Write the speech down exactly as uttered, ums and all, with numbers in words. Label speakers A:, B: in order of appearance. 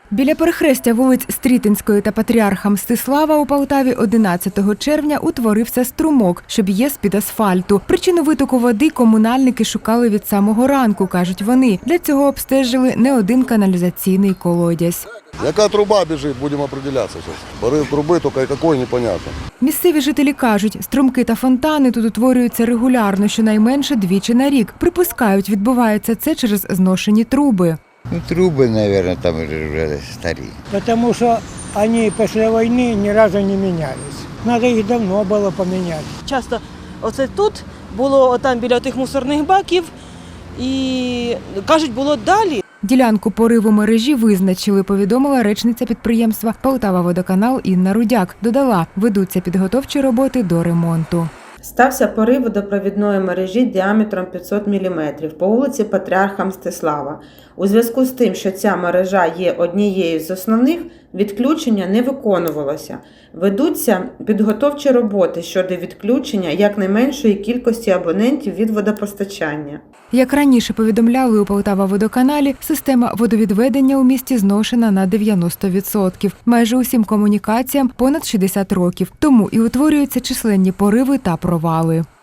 A: Біля перехрестя вулиць Стрітинської та Патріарха Мстислава у Полтаві одинадцятого червня утворився струмок, що б'є з-під асфальту. Причину витоку води комунальники шукали від самого ранку, кажуть вони. Для цього обстежили не один каналізаційний колодязь.
B: Яка труба біжить, будемо определятися зараз. Порив труби, тільки якої непонятно.
A: Місцеві жителі кажуть, струмки та фонтани тут утворюються регулярно, щонайменше двічі на рік. Припускають, відбувається це через зношені труби.
C: Ну, трубы, наверное, там уже старі.
D: Потому что они после войны ни разу не менялись. Надо их давно было поменять.
E: Часто оце тут було отам біля тих мусорних баків і, кажуть, було далі.
A: Ділянку пориву мережі визначили, повідомила речниця підприємства «Полтававодоканал» Інна Рудяк. Додала, ведуться підготовчі роботи до ремонту.
F: Стався порив водопровідної мережі діаметром п'ятсот міліметрів по вулиці Патріарха Мстислава. У зв'язку з тим, що ця мережа є однією з основних, відключення не виконувалося. Ведуться підготовчі роботи щодо відключення якнайменшої кількості абонентів від водопостачання.
A: Як раніше повідомляли у Полтававодоканалі, система водовідведення у місті зношена на дев'яносто відсотків. Майже усім комунікаціям понад шістдесят років. Тому і утворюються численні пориви та провали.